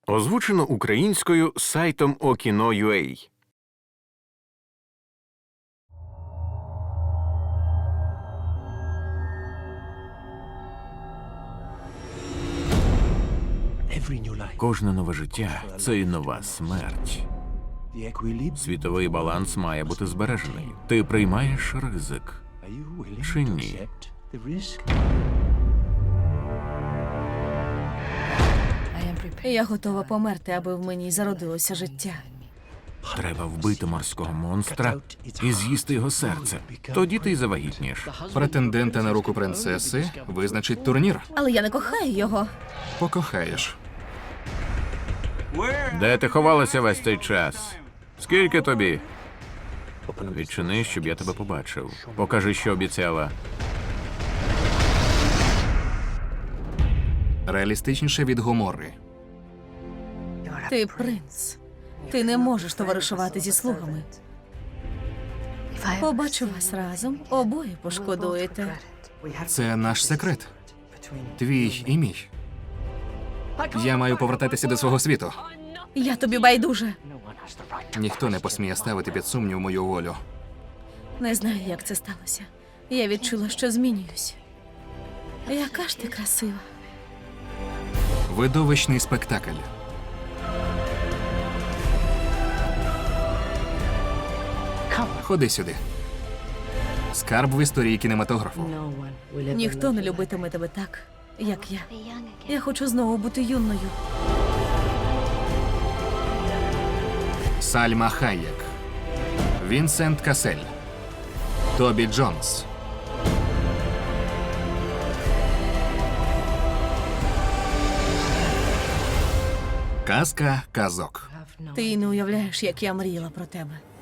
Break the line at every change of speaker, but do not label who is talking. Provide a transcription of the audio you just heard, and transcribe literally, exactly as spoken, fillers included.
Озвучено українською сайтом Okino.ua. Кожне нове життя – це і нова смерть. Світовий баланс має бути збережений. Ти приймаєш ризик чи ні?
Я готова померти, аби в мені зародилося життя.
Треба вбити морського монстра і з'їсти його серце. Тоді ти й завагітнієш.
Претендента на руку принцеси визначить турнір.
Але я не кохаю його.
Покохаєш.
Де ти ховалася весь цей час? Скільки тобі? Відчини, щоб я тебе побачив. Покажи, що обіцяла.
Реалістичніше від Гоморри.
Ти принц. Ти не можеш товаришувати зі слугами. Побачу вас разом, обоє пошкодуєте.
Це наш секрет. Твій і мій. Я маю повертатися до свого світу.
Я тобі байдуже.
Ніхто не посміє ставити під сумнів мою волю.
Не знаю, як це сталося. Я відчула, що змінююсь. Яка ж ти красива.
Видовищний спектакль. Ходи сюди. Скарб в історії кінематографу.
Ніхто не любитиме тебе так, як я. Я хочу знову бути юною.
Сальма Хайек. Вінсент Касель. Тобі Джонс. Казка казок.
Ти й не уявляєш, як я мріяла про тебе.